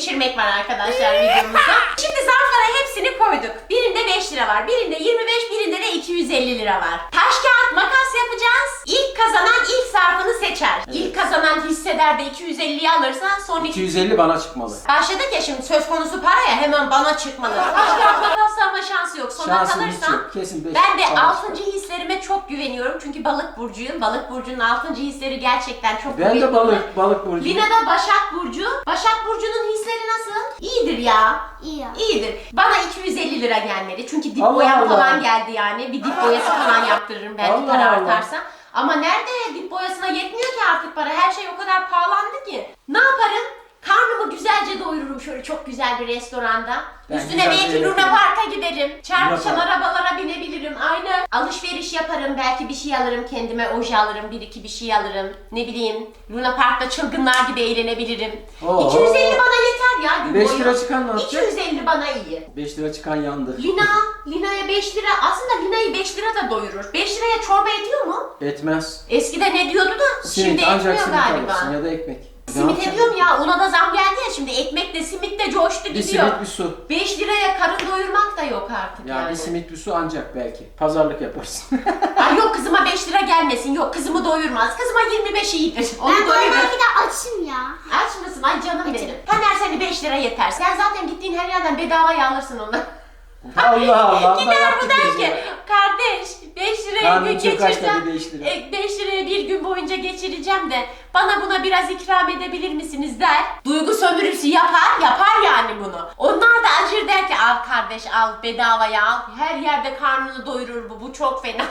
geçirmek var arkadaşlar videomuzda. Şimdi zarflara hepsini koyduk. Birinde 5 lira var, birinde 25, birinde de 250 lira var. Taş kağıt makas yapacağız. İlk kazanan ilk zarfını seçer. Evet. İlk kazanan hisseder de 250'yi alırsa son 250 bana çıkmalı. Başladık ya şimdi söz konusu para ya hemen bana çıkmalı. Taş kağıt makasla ama şansı yok. Sona Şansım hiç kalırsam yok. Kesin 5. ben de 6. hislerime çok güveniyorum. Çünkü balık burcuyum. Balık burcunun 6. hisleri gerçekten çok Ben kuvvetli. de balık burcu. Lina da Başak Burcu. Başak Burcu'nun hisleri nasıl? İyidir ya. İyi ya. İyidir. Bana 250 lira gelmedi. Çünkü dip Allah boyam Allah. falan geldi yani. Bir dip boyası falan yaptırırım belki Allah para Allah. artarsa. Ama nerede dip boyasına yetmiyor ki artık para. Her şey o kadar pahalandı ki. Ne yaparım? Karnımı güzelce doyururum şöyle çok güzel bir restoranda. Ben Üstüne güzel belki bir Luna yaparım. Park'a giderim. Çarpışan Luna Park. arabalara binebilirim. Aynen. Alışveriş yaparım. Belki bir şey alırım kendime. Oje alırım. Bir iki bir şey alırım. Ne bileyim. Luna Park'ta çılgınlar gibi eğlenebilirim. Oo. 250 bana yeter ya gün 5 boyu. lira çıkan ne yapacak? 250 bana iyi. 5 lira çıkan yandı. Lina'ya 5 lira. Aslında Lina'yı 5 lira da doyurur. 5 liraya çorba ediyor mu? Etmez. Eskiden ediyordu da şimdi Simit ancak etmiyor simit galiba. alırsın ya da ekmek. Ne Simit yapacaksın? ediyorum ya. Ona da zam geldi ya şimdi. Ekmek de simit de coştu Bir gidiyor. simit bir su. 5 liraya karın doyurmak da yok artık Yani yani. bir simit bir su ancak belki. Pazarlık yaparsın. Ay yok kızıma 5 lira gelmesin. Yok kızımı doyurmaz. Kızıma 25 iyidir. Onu Ben doyurur. belki de açım ya. Aç mısın? Ay canım benim. Taner seni 5 lira yeter. Sen zaten gittiğin her yerden bedavaya alırsın onu. Allah Allah. Gider bu der ki kardeş 5 liraya Karnım gün çok aç geçireceğim. tabii 5 lira. 5 liraya bir gün boyunca geçireceğim de bana buna biraz ikram edebilir misiniz der. Duygu sömürüsü yapar yani bunu. Onlar da acır der ki al kardeş al bedavaya al. Her yerde karnını doyurur bu çok fena.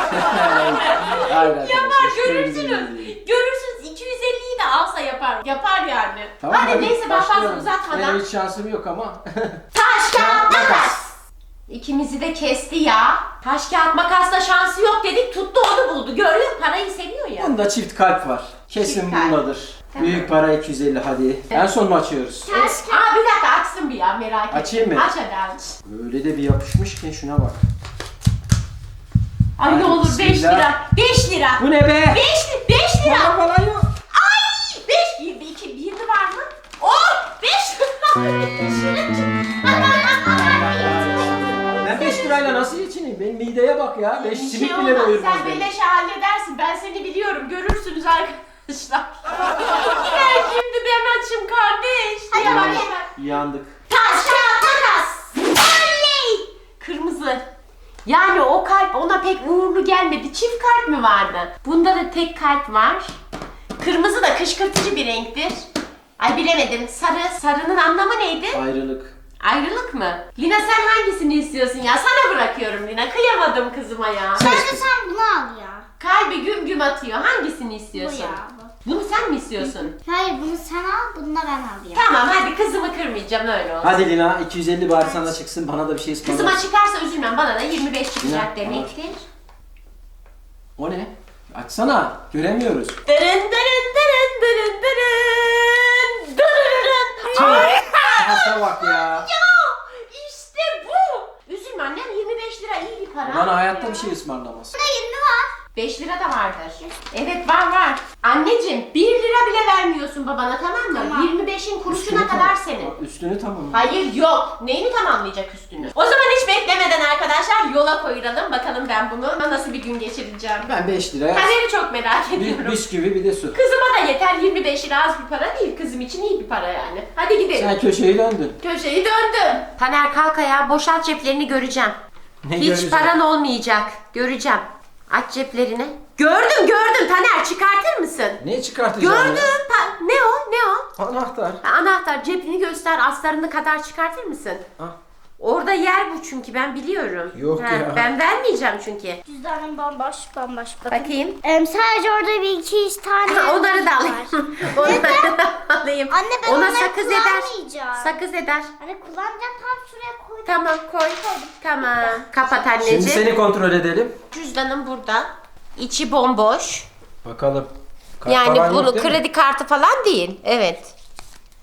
Yapar görürsünüz. Görürsünüz 250'yi de alsa yapar. Yapar yani. Tamam, hadi neyse ben fazla başlayalım. uzatmadan. Benim hiç şansım yok ama. Taş kağıt makas. İkimizi de kesti ya. Taş kağıt makasla şansı yok dedik tuttu onu buldu. Görüyor musun? Parayı seviyor ya. Bunda çift kalp var. Kesin Çift kalp. bundadır. Tamam. Büyük para 250 hadi. En son mu açıyoruz? Evet. Aa bir dakika açsın bir ya merak etme. Açayım mı? Aç hadi aç. Böyle de bir yapışmış ki şuna bak. Ay ne Hadi olur 5 bismillah. lira. 5 lira. Bu ne be? 5 lira. Para falan yok. Ay 5 girdi 2 birdi var mı? Oh 5 Ben 5 lirayla nasıl geçineyim? Benim mideye bak ya. 5 Bir simit şey bile olmaz. doyurmaz Sen beni. beleşe halledersin. Ben seni biliyorum. Görürsünüz arkadaşlar. Ben şimdi ben açım kardeş. Hadi Yavaş bakalım. yavaş. Yandık. Taş kağıt makas. Oley. Kırmızı. Yani o kalp ona pek uğurlu gelmedi. Çift kalp mi vardı? Bunda da tek kalp var. Kırmızı da kışkırtıcı bir renktir. Ay bilemedim. Sarının anlamı neydi? Ayrılık. Ayrılık mı? Lina sen hangisini istiyorsun ya? Sana bırakıyorum Lina. Kıyamadım kızıma ya. Bence sen bunu al ya. Kalbi güm güm atıyor. Hangisini Bu istiyorsun? ya. Bu. Bunu sen mi istiyorsun? Hayır bunu sen al, bunu da ben alayım. Tamam hadi kızımı kırmayacağım öyle olsun. Hadi Lina 250 bari sana çıksın bana da bir şey ısmarla. Kızıma çıkarsa üzülmem. Bana da 25 çıkacak Lina, demektir. O ne? Açsana. Göremiyoruz. Dırın dırın dırın dırın dırın dırın. Ay! Şansa bak ya. Ya işte bu. Üzülme annem 25 lira iyi bir para. Bana hayatta bir şey ısmarlamaz. Burada 20 var. 5 lira da vardır. Evet var. Anneciğim 1 lira bile vermiyorsun babana tamam mı? Tamam. 25'in kuruşuna Üstünü kadar tamam. senin. Üstünü tamam. Hayır yok. Neyini tamamlayacak üstünü? O zaman hiç beklemeden arkadaşlar yola koyulalım. Bakalım ben bunu nasıl bir gün geçireceğim. Ben 5 liraya Kaderi çok merak ediyorum. bir bisküvi bir de su. Kızıma da yeter 25 lira az bir para değil. Kızım için iyi bir para yani. Hadi gidelim. Sen köşeyi döndün. Köşeyi döndüm. Taner kalk ayağa boşalt ceplerini göreceğim. Ne Hiç göreceğim? paran olmayacak. Göreceğim. Aç ceplerini. Gördüm Taner çıkartır mısın? Ne çıkartacağım Gördüm. Ne o? Anahtar. Anahtar cebini göster astarını kadar çıkartır mısın? Ah. Orada yer bu çünkü ben biliyorum. Yok ya. Ben vermeyeceğim çünkü. Cüzdanım bomboş. Bakın. Bakayım. Sadece orada bir iki tane Onları da var. alayım. Onları da alayım. Anne ben Ona onları sakız eder. kullanmayacağım. Sakız eder. Anne kullanacağım tam şuraya koydum. Tamam koy. Tamam. Kapat anneciğim. Şimdi seni kontrol edelim. Cüzdanım burada. İçi bomboş. Bakalım. Kart Yani falan yok bunu değil mi? kredi kartı falan değil. Evet.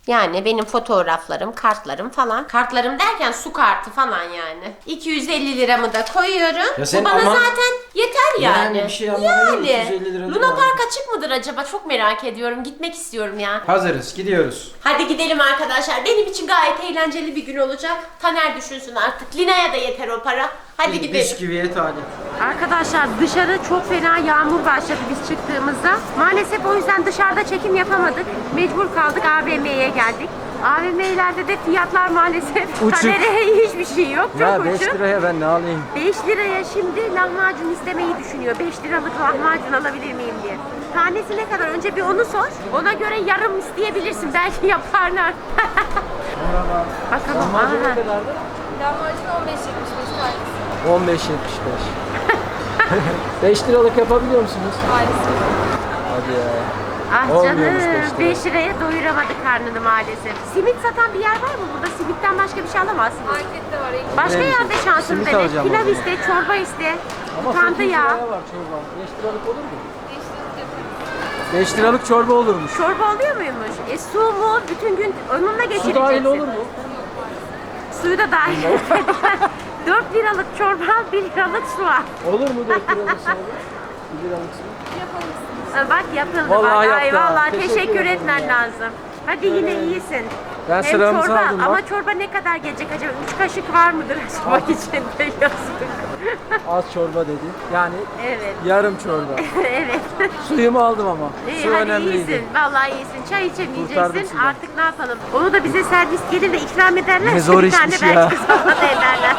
Yani benim fotoğraflarım, kartlarım falan. Kartlarım derken su kartı falan yani. 250 liramı da koyuyorum. Ya sen Bu bana ama- zaten yeter yani. Yani bir şey anlamadım, 250 lira Luna değil Park açık mıdır acaba? Çok merak ediyorum. Gitmek istiyorum ya. Hazırız, gidiyoruz. Hadi gidelim arkadaşlar. Benim için gayet eğlenceli bir gün olacak. Taner düşünsün artık. Lina'ya da yeter o para. Hadi gidelim. Bisküviye talip. Arkadaşlar dışarı çok fena yağmur başladı biz çıktığımızda. Maalesef o yüzden dışarıda çekim yapamadık. Mecbur kaldık, AVM'ye geldik. AVM'lerde de fiyatlar maalesef Uçuk. Taner'e hiçbir şey yok. Çok Ya 5 uçuk. liraya ben ne alayım? 5 liraya şimdi lahmacun istemeyi düşünüyor. 5 liralık lahmacun alabilir miyim diye. Tanesi ne kadar? Önce bir onu sor. Ona göre yarım isteyebilirsin. Belki yaparlar. Bakalım. Lahmacun ne Aha. kadardı? Lahmacun 15.75 tanesi. 15.75. 5 liralık yapabiliyor musunuz? Maalesef. Hadi ya. Ah Olmuyormuş canım, 5 lira. 5 liraya doyuramadı karnını maalesef. Simit satan bir yer var mı burada? Simitten başka bir şey alamazsınız. Markette var. Başka Evet. yerde şansını Simit dene. alacağım o Pilav zaman. iste, çorba iste. Ama Utandı 8 ya. liraya var çorba. 5 liralık olur mu? Değiştirdik yaparız. 5 liralık çorba olurmuş. Çorba oluyor muymuş? Su mu? Bütün gün onunla Su geçireceksin. dahil olur mu? Suyu da dahil. 4 liralık çorba, 1 liralık su al. Olur mu 4 liralık su olur? 1 liralık su. Bak yapıldı Vallahi bak. Ay yaptı ha. vallahi Teşekkür teşekkür ederim etmen ya. lazım. Hadi yine iyisin. Ben Hem sıramızı çorba aldım bak. ama çorba ne kadar gelecek acaba? 3 kaşık var mıdır acaba içinde? Yazık. Az çorba dedi. Yani Evet. yarım çorba. Evet. Suyumu aldım ama. İyi, Su hadi önemliydi. iyisin. Vallahi iyisin. Çay Kurtardım içemeyeceksin. sudan. Artık ne yapalım? Onu da bize servis gelir de ikram ederler. Ne zor bir tane işmiş ya. belki sana da ederler.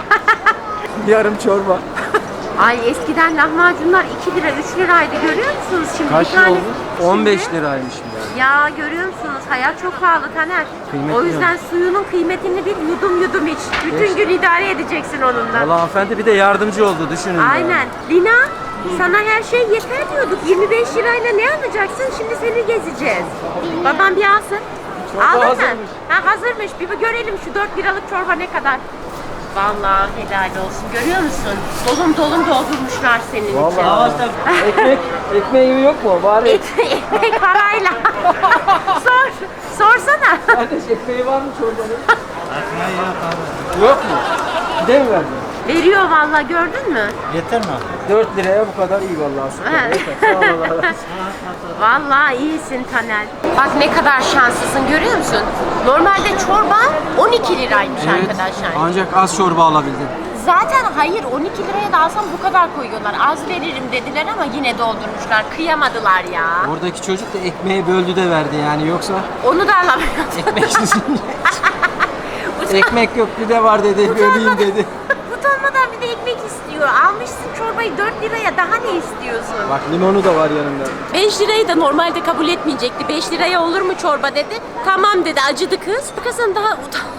Yarım çorba. Ay eskiden lahmacunlar 2 lira 3 liraydı görüyor musunuz şimdi? Kaç bir lira tane- oldu? 15 Şimdi- liraymış yani. Ya görüyor musunuz? Hayat çok pahalı Taner. Kıymetli O yüzden suyunun kıymetini bil, yudum yudum iç. Bütün gün idare edeceksin onunla. Valla hanımefendi bir de yardımcı oldu düşünün ya. Aynen. Lina, sana her şey yeter diyorduk. 25 lirayla ne alacaksın? Şimdi seni gezeceğiz. Babam bir alsın. Çorba Aldın mı? hazırmış. Ha hazırmış. Bir görelim şu 4 liralık çorba ne kadar. Vallahi helal olsun. Görüyor musun? Dolum dolum doldurmuşlar senin için. Valla. Ekmeği yok mu? Bari Ekmek parayla. Sorsana. kardeş ekmeği var mı çorbanın? Ekmeği yok abi. Yok mu? Gide mi verdin? Veriyor vallahi gördün mü? Yeter mi abi? 4 liraya bu kadar iyi vallahi. Süper. Evet. Yeter. Sağ ol Allah razı olsun. Vallahi iyisin Taner. Bak ne kadar şanslısın görüyor musun? Normalde çorba 12 liraymış arkadaşlar. Ancak az çorba alabildim. Zaten hayır 12 liraya da alsam bu kadar koyuyorlar. Az veririm dediler ama yine doldurmuşlar. Kıyamadılar ya. Oradaki çocuk da ekmeği böldü de verdi yani yoksa Onu da alamıyorum. ekmeksiz. Ekmek yok bir de var dedi. Böleyim dedi. Utanmadan bir de ekmek istiyor. Almışsın çorbayı 4 liraya daha ne istiyorsun? Bak limonu da var yanında. 5 lirayı da normalde kabul etmeyecekti. 5 liraya olur mu çorba dedi. Tamam dedi acıdı kız. Kızın daha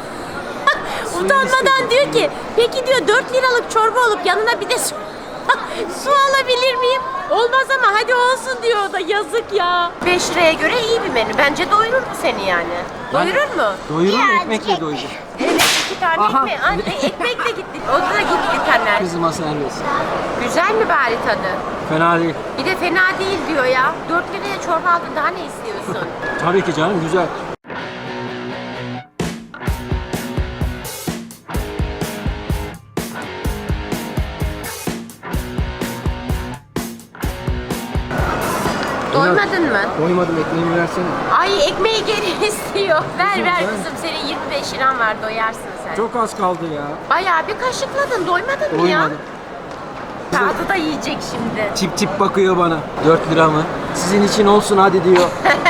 utanmadan diyor ki peki diyor 4 liralık çorba olup yanına bir de su, su alabilir miyim? Olmaz ama hadi olsun diyor o da yazık ya. 5 liraya göre iyi bir menü. Bence doyurur mu seni yani? Doyurur mu? Doyurur ekmekle doyurur. Evet 2 tane Aha. ekmek. Anne ekmekle gitti. O da gitti Taner. Kızıma servis. Güzel mi bari tadı? Fena değil. Bir de fena değil diyor ya. 4 liraya çorba aldın daha ne istiyorsun? Tabii ki canım güzel. Doymadın mı? Doymadım ekmeğimi versene. Ay ekmeği geri istiyor. Ver ver ben- kızım senin 25 liran var doyarsın sen. Çok az kaldı ya. Bayağı bir kaşıkladın doymadın mı ya? Doymadım. Tadı da yiyecek şimdi. Tip tip bakıyor bana. 4 lira mı? Sizin için olsun hadi diyor.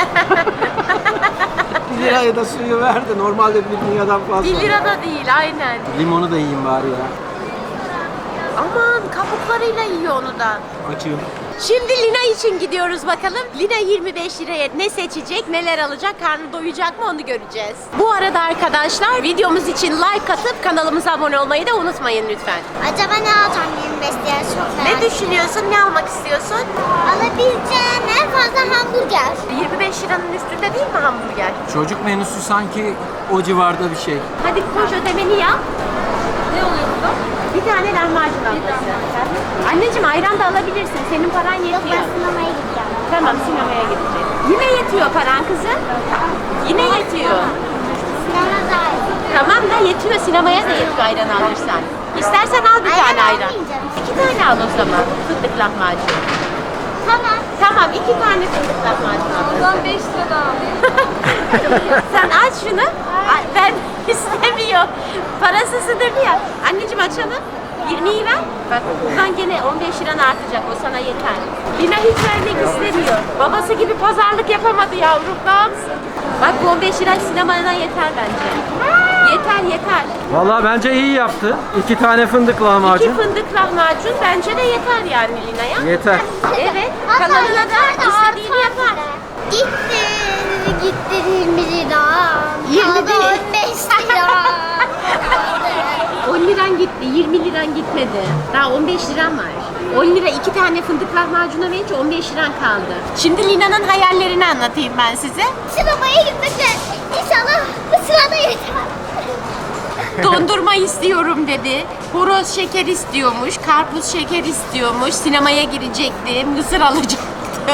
1 liraya da suyu verdi. Normalde 1 liradan fazla. 1 lira da değil aynen. Limonu da yiyeyim bari ya. Aman kabuklarıyla yiyor onu da. Açıyorum. Şimdi Lina için gidiyoruz bakalım. Lina 25 liraya ne seçecek, neler alacak, karnı doyacak mı onu göreceğiz. Bu arada arkadaşlar videomuz için like atıp kanalımıza abone olmayı da unutmayın lütfen. Acaba ne alacağım 25 liraya çok merak Ne ediyorum. düşünüyorsun, ne almak istiyorsun? Alabileceğim en fazla hamburger. 25 liranın üstünde değil mi hamburger? Çocuk menüsü sanki o civarda bir şey. Hadi koş ödemeni yap. Ne oluyor burada? Bir tane lahmacun alması. Anneciğim ayran da alabilirsin. Senin paran Yok yetiyor. ben sinemaya gideceğim. Tamam sinemaya gideceğiz. Yine yetiyor paran kızım. Yine yetiyor. Sinema dahil. Tamam da yetiyor. Sinemaya da yetiyor ayran alırsan. İstersen al bir tane ayran. almayacağım. 2 tane al o zaman. Fındık lahmacun. Tamam. Tamam 2 tane fındık lahmacun al. O zaman 5 lira daha alayım. Sen aç şunu. Ben istemiyor. Parasızıdır ya. Anneciğim açalım. 20'yi ver. Bak buradan gene 15 liran artacak. O sana yeter. Lina hiç vermek istemiyor. Babası gibi pazarlık yapamadı yavrum. Ne yapsın? Bak bu 15 lira sinemana yeter bence. Yeter. Vallahi bence iyi yaptı. 2 tane fındık 2 lahmacun. fındık lahmacun bence de yeter yani Lina'ya. Yeter. Evet. Hatta Kalanına da yukarıda istediğini artar yapar. bile. Gitti 20 lira. 20 Kaldı değil. 15 lira. 10 liran gitti, 20 liran gitmedi. Daha 15 liran var. 10 lira 2 tane fındık lahmacuna verince 15 liran kaldı. Şimdi Lina'nın hayallerini anlatayım ben size. Sinemaya gitmekle inşallah bu sırada yeter. Dondurma istiyorum dedi. Horoz şeker istiyormuş, karpuz şeker istiyormuş. Sinemaya girecekti, mısır alacaktı.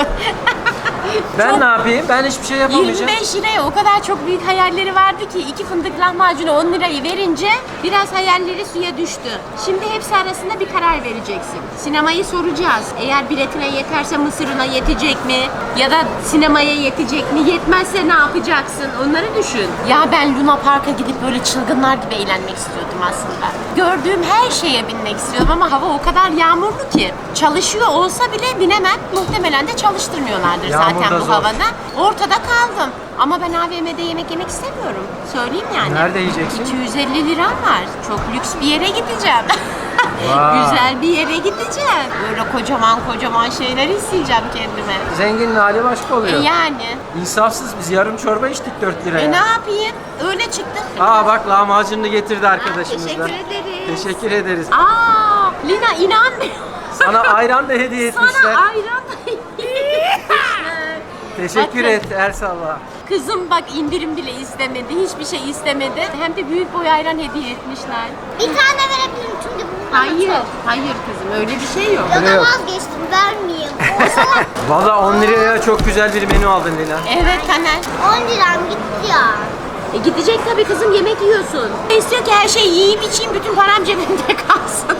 Ben ne yapayım? Ben hiçbir şey yapamayacağım. 25 liraya o kadar çok büyük hayalleri vardı ki 2 fındık lahmacuna 10 lirayı verince biraz hayalleri suya düştü. Şimdi hepsi arasında bir karar vereceksin. Sinemayı soracağız. Eğer biletine yeterse mısırına yetecek mi? Ya da sinemaya yetecek mi? Yetmezse ne yapacaksın? Onları düşün. Ya ben Luna Park'a gidip böyle çılgınlar gibi eğlenmek istiyordum aslında. Gördüğüm her şeye binmek istiyordum ama hava o kadar yağmurlu ki. Çalışıyor olsa bile binemem. Muhtemelen de çalıştırmıyorlardır Yağmur zaten da bu zor. havada. Ortada kaldım. Ama ben AVM'de yemek istemiyorum. Söyleyeyim yani. Nerede yiyeceksin? 250 liram var. Çok lüks bir yere gideceğim. Vay. Güzel bir yere gideceğim. Böyle kocaman şeyler isteyeceğim kendime. Zenginin hali başka oluyor. Yani. İnsafsız, biz yarım çorba içtik 4 liraya. Ne yapayım? Öyle çıktı. Aa bak lahmacununu getirdi arkadaşımız da. Teşekkür ederiz. Teşekkür ederiz. Aa, Lina inanmıyor. Sana ayran da hediye etmişler. Sana ayran da yedirmişler. Teşekkür Bakın. et Ersal'la. Kızım bak indirim bile istemedi. Hiçbir şey istemedi. Hem de büyük boy ayran hediye etmişler. Bir tane verebilirim çünkü bunun Hayır kızım öyle bir şey yok. Ya Öyle da yok. vazgeçtim vermeyeyim. Olsa Valla 10 liraya çok güzel bir menü aldın Lina. Evet Taner. 10 liram gitti ya. Gidecek tabii kızım yemek yiyorsun. İstiyor ki her şeyi yiyeyim içeyim bütün param cebimde kalsın.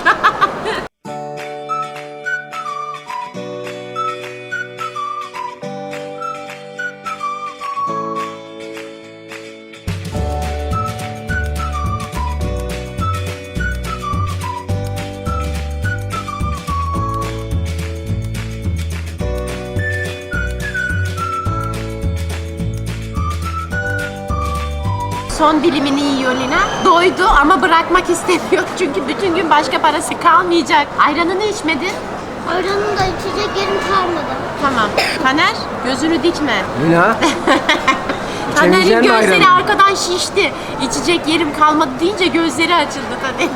Son dilimini yiyor Lina. Doydu ama bırakmak istemiyor. Çünkü bütün gün başka parası kalmayacak. Ayranını içmedin. Ayranın da içecek yerim kalmadı. Tamam. Taner gözünü dikme. Lina. Taner'in İçemeyeceksin mi gözleri ayranı? arkadan şişti. İçecek yerim kalmadı deyince gözleri açıldı Taner.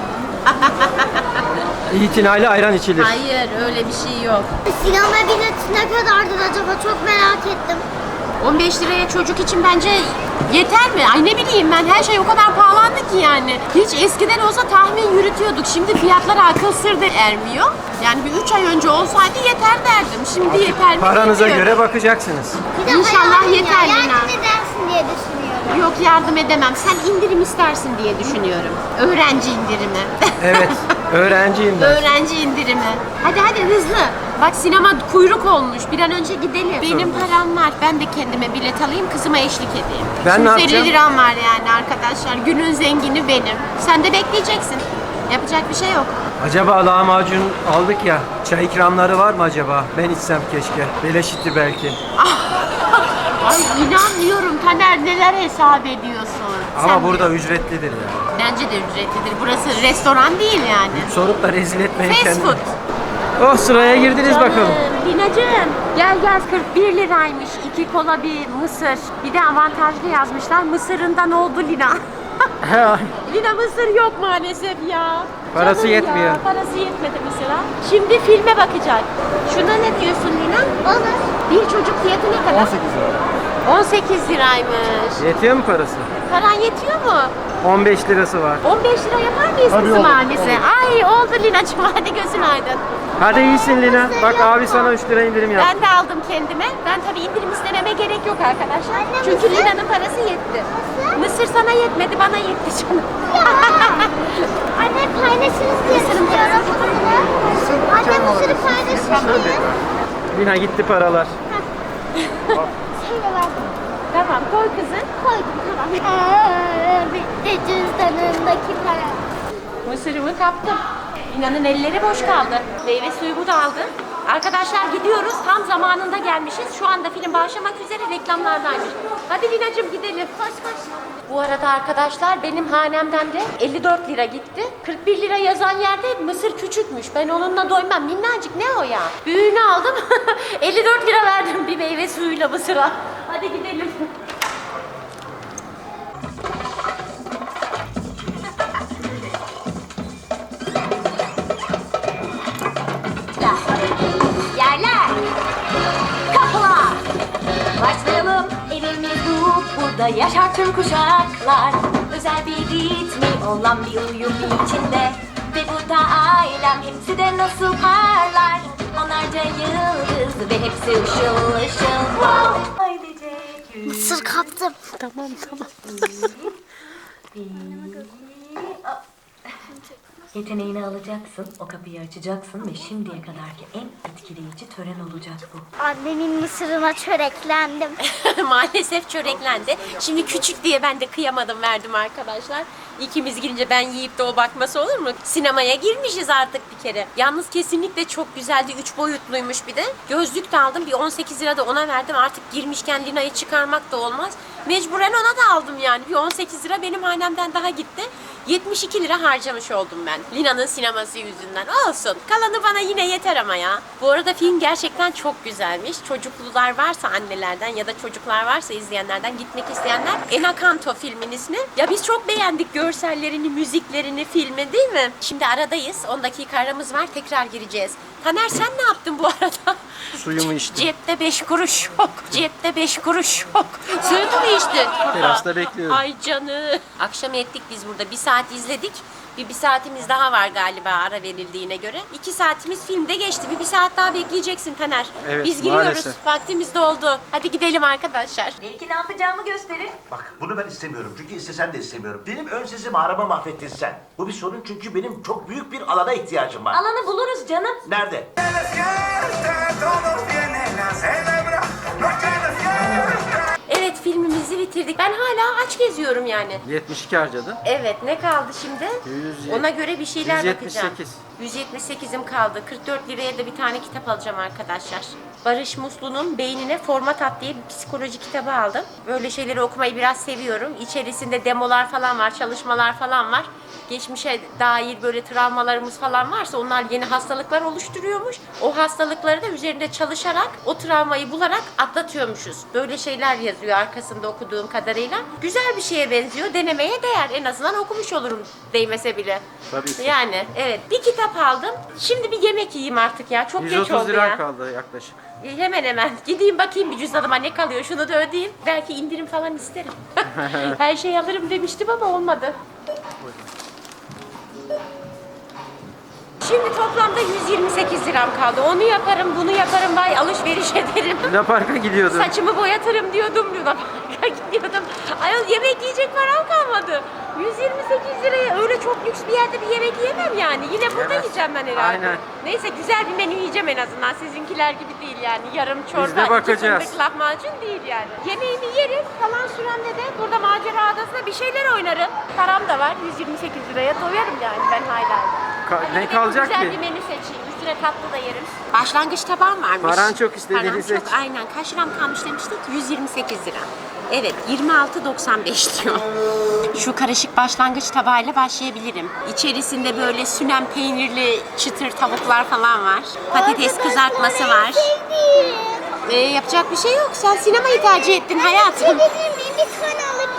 İtinayla ayran içilir. Hayır öyle bir şey yok. Sinema bileti ne kadardır acaba çok merak ettim. 15 liraya çocuk için bence yeter mi? Ay ne bileyim ben her şey o kadar pahalandı ki yani. Hiç eskiden olsa tahmin yürütüyorduk. Şimdi fiyatlara akıl sır da ermiyor. Yani bir 3 ay önce olsaydı yeter derdim. Şimdi yeter mi? Paranıza bilmiyorum. göre bakacaksınız. Bir de İnşallah hayalim yeter ya, Lina. yardım edersin diye düşünüyorum. Yok yardım edemem. Sen indirim istersin diye düşünüyorum. Öğrenci indirimi. Evet. Öğrenciyim ben. Öğrenci indirimi. Hadi hızlı. Bak sinema kuyruk olmuş. Bir an önce gidelim. Benim param var. Ben de kendime bilet alayım, kızıma eşlik edeyim. Ben ne 250 yapacağım? liram var yani arkadaşlar. Günün zengini benim. Sen de bekleyeceksin. Yapacak bir şey yok. Acaba lahmacun aldık ya. Çay ikramları var mı acaba? Ben içsem keşke. Beleşitti belki. Ay inanmıyorum Taner neler hesap ediyorsun. Ama Sen burada de- ücretlidir ya. Bence de ücretlidir. Burası restoran değil yani. Sorup da rezil etmeyin Fast kendini. food. Oh sıraya girdiniz bakalım. Linacığım gel 41 liraymış. 2 kola bir mısır. Bir de avantajlı yazmışlar. Mısırından oldu Lina. Lina mısır yok maalesef ya. Parası Canım yetmiyor. Ya, parası yetmedi mısıra. Şimdi filme bakacak. Şuna ne diyorsun Lina? Olur. Bir çocuk fiyatı ne kadar? 18 liraymış. Yetiyor mu parası? Paran yetiyor mu? 15 lirası var. 15 lira yapar mıyız kızım annesi? Ay oldu Lina'cığım hadi gözün aydın. Hadi iyisin Lina. Bak abi sana 3 lira indirim yaptı. Ben de aldım kendime. Ben tabii indirim istememe gerek yok arkadaşlar. Anne, Çünkü mısır? Lina'nın parası yetti. Mısır sana yetmedi, bana yetti canım. Anne paylaşırız diye düşünüyorum. Anne mısırı paylaşırız. Lina gitti paralar. Şöyle verdim. Tamam, koy kızım. Koydum tamam. Bitti cüzdanındaki para. Mısırımı kaptım. Lina'nın elleri boş kaldı. Meyve suyumu da aldım. Arkadaşlar gidiyoruz. Tam zamanında gelmişiz. Şu anda film başlamak üzere, reklamlardaymış. Hadi Lina'cığım gidelim. Koş koş. Bu arada arkadaşlar benim hanemden de 54 lira gitti. 41 lira yazan yerde mısır küçükmüş. Ben onunla doymam. Minnacık ne o ya? Büyüğünü aldım. 54 lira verdim bir meyve suyuyla mısıra. Hadi gidelim. Yerler, kapılar. Başlayalım. Evimiz bu, burada yaşar tüm kuşaklar. Özel bir ritmi olan bir uyum içinde. Ve burada ailem hepsi de nasıl parlar. Onlarca yıldız ve hepsi ışıl ışıl. Wow. Aydecek yüz. Mısır kaptım. Tamam. Yeteneğini alacaksın, o kapıyı açacaksın ve şimdiye kadarki en etkileyici tören olacak bu. Annemin mısırına çöreklendim. Maalesef çöreklendi. Şimdi küçük diye ben de kıyamadım, verdim arkadaşlar. İkimiz girince ben yiyip de o bakması olur mu? Sinemaya girmişiz artık bir kere. Yalnız kesinlikle çok güzeldi. 3 boyutluymuş bir de. Gözlük de aldım. Bir 18 lira da ona verdim. Artık girmişken Lina'yı çıkarmak da olmaz. Mecburen ona da aldım yani. Bir 18 lira benim hanemden daha gitti. 72 lira harcamış oldum ben. Lina'nın sineması yüzünden. Olsun. Kalanı bana yine yeter ama ya. Bu arada film gerçekten çok güzelmiş. Çocuklular varsa annelerden ya da çocuklar varsa izleyenlerden, gitmek isteyenler, Encanto filmin ismi. Ya biz çok beğendik görsellerini, müziklerini, filmi değil mi? Şimdi aradayız. 10 dakika aramız var. Tekrar gireceğiz. Taner sen ne yaptın bu arada? Suyumu içtim. Cepte 5 kuruş yok. Cepte 5 kuruş yok. Suyunu mu içtin? Terasta bekliyorum. Ay canım. Akşam ettik biz burada. 1 saat izledik. Bir saatimiz daha var galiba ara verildiğine göre. 2 saatimiz filmde geçti. Bir saat daha bekleyeceksin Taner. Evet, Biz giriyoruz. maalesef. Vaktimiz doldu. Hadi gidelim arkadaşlar. Belki ne yapacağımı gösterir. Bak bunu ben istemiyorum çünkü istesem de istemiyorum. Benim ön sesimi araba mahvettin sen. Bu bir sorun çünkü benim çok büyük bir alana ihtiyacım var. Alanı buluruz canım. Nerede? Evet, filmimizi bitirdik. Ben hala aç geziyorum yani. 72 harcadın. Evet, ne kaldı şimdi? 100, Ona göre bir şeyler 178. bakacağım. 178'im kaldı. 44 liraya da bir tane kitap alacağım arkadaşlar. Barış Muslu'nun Beynine Format At diye bir psikoloji kitabı aldım. Böyle şeyleri okumayı biraz seviyorum. İçerisinde demolar falan var, çalışmalar falan var. Geçmişe dair böyle travmalarımız falan varsa onlar yeni hastalıklar oluşturuyormuş. O hastalıkları da üzerinde çalışarak, o travmayı bularak atlatıyormuşuz. Böyle şeyler yazıyor arkasında okuduğum kadarıyla. Güzel bir şeye benziyor. Denemeye değer. En azından okumuş olurum değmese bile. Tabii ki. Yani evet, bir kitap aldım. Şimdi bir yemek yiyeyim artık ya. Çok geç 130 oldu lira ya. kaldı yaklaşık. Hemen hemen. Gideyim bakayım bir cüzdanıma ne kalıyor. Şunu da ödeyeyim. Belki indirim falan isterim. Her şeyi alırım demiştim ama olmadı. Şimdi toplamda 128 liram kaldı. Onu yaparım, bunu yaparım, vay alışveriş ederim. Luna Park'a gidiyordun. Saçımı boyatırım diyordum, Luna Park'a gidiyordum. Ayol yemek yiyecek param kalmadı. 128 liraya öyle çok lüks bir yerde bir yemek yiyemem yani. Yine burada Yemez. yiyeceğim ben herhalde. Aynen. Neyse güzel bir menü yiyeceğim en azından. Sizinkiler gibi değil yani. Yarım çorba, Biz de 2 bakacağız. fındık lahmacun değil yani. Yemeğimi yerim. Kalan süremde de burada macera adasında bir şeyler oynarım. Param da var. 128 liraya doyarım yani ben hala. Ne kalacak Güzel ki? bir menü seçeyim. Üstüne tatlı da yerim. Başlangıç tabağım varmış. Paran çok, istediğini Param seç. çok, aynen. Kaç liram kalmış demiştik? 128 lira. Evet, 26.95 diyor. Şu karışık başlangıç tabağıyla başlayabilirim. İçerisinde böyle sünen peynirli çıtır tavuklar falan var. Patates kızartması var. Sevdim. Yapacak bir şey yok. Sen sinemayı tercih ettin hayatım. Bir tane alabilir miyim?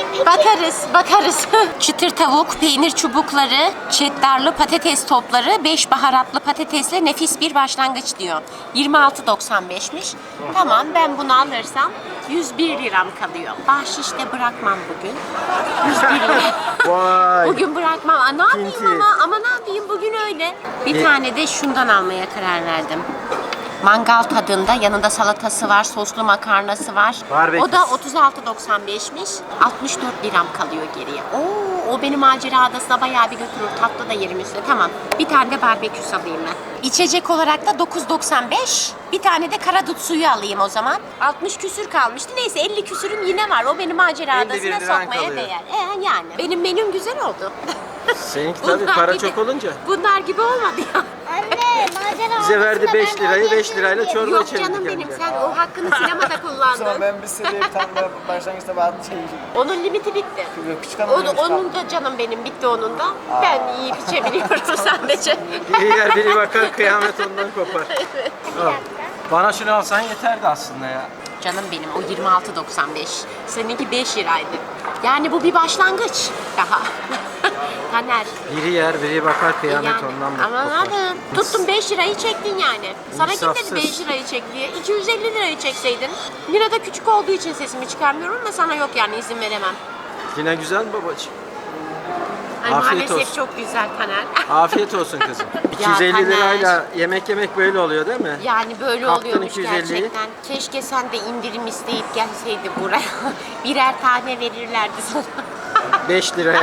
Bakarız. Çıtır tavuk, peynir çubukları, çeddarlı patates topları, 5 baharatlı patatesle nefis bir başlangıç diyor. 26.95'miş. Tamam, ben bunu alırsam 101 liram kalıyor. Bahşiş de bırakmam bugün. 101 lira. Vay. Bugün bırakmam. Aa, ne yapayım Pinti. ama ne yapayım bugün öyle. Bir tane de şundan almaya karar verdim. Mangal tadında, yanında salatası var, soslu makarnası var. Barbekü. O da 36.95'miş. 64 liram kalıyor geriye. O beni macera adasına bayağı bir götürür. Tatlı da yerim üstüne. Tamam. Bir tane de barbekü alayım ben. İçecek olarak da 9.95. Bir tane de karadut suyu alayım o zaman. 60 küsür kalmıştı. Neyse 50 küsürüm yine var. O beni macera 51 adasına liran sokmaya kalıyor. değer. Yani. Benim menüm güzel oldu. Seninki tabii para çok olunca. Bunlar gibi olmadı ya. Anne macera Bize verdi odasında 5 ben lirayı, böyle 5 lirayla çorba Yok içelim. canım benim, sen o hakkını sinemada kullandın. Ben bir sene bir tane daha başlangıçta ben Onun limiti bitti. küçük hanım demiş Onun da canım benim bitti onun da. Ben yiyip içebiliyorum sadece. Biri yer biri bakar kıyamet ondan kopar. Bir dakika. Bana şunu alsan yeterdi aslında ya. Canım benim o 26.95. Seninki 5 liraydı. Yani bu bir başlangıç daha. Taner. Biri yer biri bakar kıyamet Yani, ondan ama kopar. abi tuttum 5 lirayı çektin yani. Sana kim dedi İnsafsız. 5 lirayı çek diye. 250 lirayı çekseydin. Lira da küçük olduğu için sesimi çıkarmıyorum ama sana yok yani, izin veremem. Yine güzel mi babacığım? Ay, Afiyet maalesef olsun. çok güzel Taner. Afiyet olsun kızım. 250 Taner. lirayla yemek böyle oluyor değil mi? Yani böyle Kaptın oluyormuş 250'yi. gerçekten. Keşke sen de indirim isteyip gelseydi buraya. Birer tane verirlerdi sana. 5 liraya.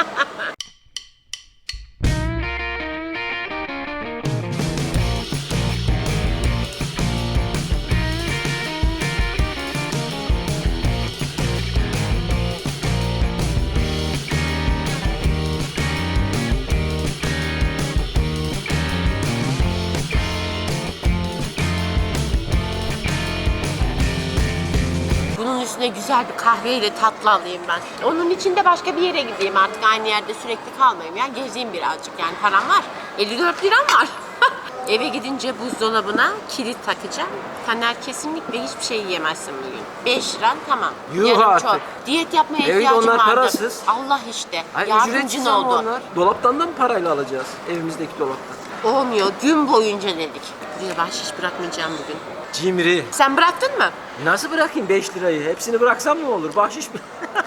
Bunun üstüne güzel bir kahveyle tatlı alayım ben. Onun için de başka bir yere gideyim artık, aynı yerde sürekli kalmayayım. Yani gezeyim birazcık, yani param var. 54 liram var. Eve gidince buzdolabına kilit takacağım. Taner, kesinlikle hiçbir şey yiyemezsin bugün. 5 liran tamam. Yuh Yarım artık. çok. Diyet yapmaya Evet, ihtiyacım onlar vardı. parasız. Allah işte. Ay, Yardımcın ücretsiz ama oldu. onlar. Dolaptan da mı parayla alacağız? Evimizdeki dolaptan. Olmuyor. Gün boyunca dedik. Buraya bahşiş bırakmayacağım bugün. Cimri. Sen bıraktın mı? Nasıl bırakayım 5 lirayı? Hepsini bıraksam ne olur? Bahşiş mi?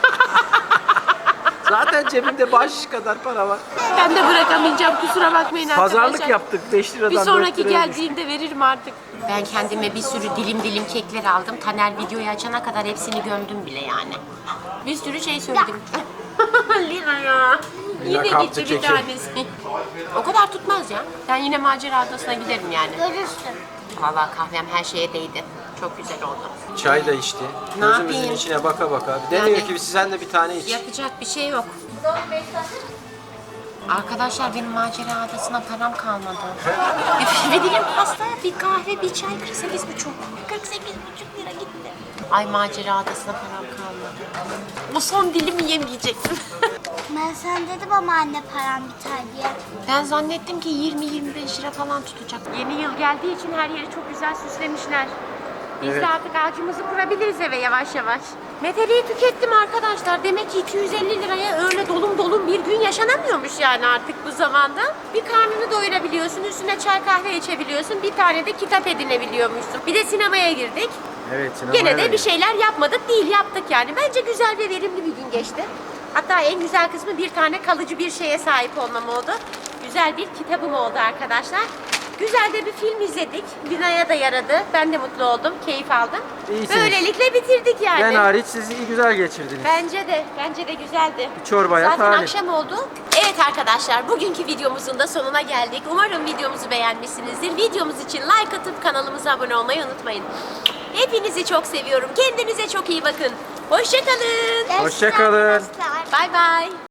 Zaten cebimde bahşiş kadar para var. Ben de bırakamayacağım, kusura bakmayın arkadaşlar. Pazarlık yaptık 5 liradan Bir 4 sonraki liraya düştü. geldiğimde veririm artık. Ben kendime bir sürü dilim kekler aldım. Taner videoyu açana kadar hepsini gömdüm bile yani. Bir sürü şey söyledim. Lina ya. Lina Yine kaptı gitti bir keki. tanesi. O kadar tutmaz ya. Ben yine macera adasına giderim yani. Görürsün. Vallahi kahvem her şeye değdi. Çok güzel oldu. Çay da içti. Ne Gözümüzün yapayım? içine baka baka. Demiyor Yani- ki sen de bir tane iç. Yapacak bir şey yok. Arkadaşlar benim macera adasına param kalmadı. Bir dilim pasta, bir kahve, bir çay 48,5. 48,5 lira gitti. Ay, macera adasına param kalmadı. O son dilimi yemeyecektim. Ben sen dedim ama anne param biter diye. Ben zannettim ki 20-25 lira falan tutacak. Yeni yıl geldiği için her yeri çok güzel süslemişler. Biz Evet. de artık ağacımızı kurabiliriz eve yavaş yavaş. Meteliği tükettim arkadaşlar. Demek ki 250 liraya öyle dolum bir gün yaşanamıyormuş yani artık bu zamanda. Bir karnını doyurabiliyorsun, üstüne çay kahve içebiliyorsun, bir tane de kitap edinebiliyormuşsun. Bir de sinemaya girdik. Evet, sinemaya Gene de da bir şeyler yapmadık değil, yaptık yani. Bence güzel ve verimli bir gün geçti. Hatta en güzel kısmı bir tane kalıcı bir şeye sahip olmam oldu. Güzel bir kitabım oldu arkadaşlar. Güzel de bir film izledik. Lina'ya da yaradı. Ben de mutlu oldum, keyif aldım. İyisiniz. Böylelikle bitirdik yani. Ben hariç siz iyi güzel geçirdiniz. Bence de güzeldi. Bir çorbaya Zaten talip. akşam oldu. Evet arkadaşlar, bugünkü videomuzun da sonuna geldik. Umarım videomuzu beğenmişsinizdir. Videomuz için like atıp kanalımıza abone olmayı unutmayın. Hepinizi çok seviyorum. Kendinize çok iyi bakın. Hoşça kalın. Hoşça kalın. Arkadaşlar. Bay bay.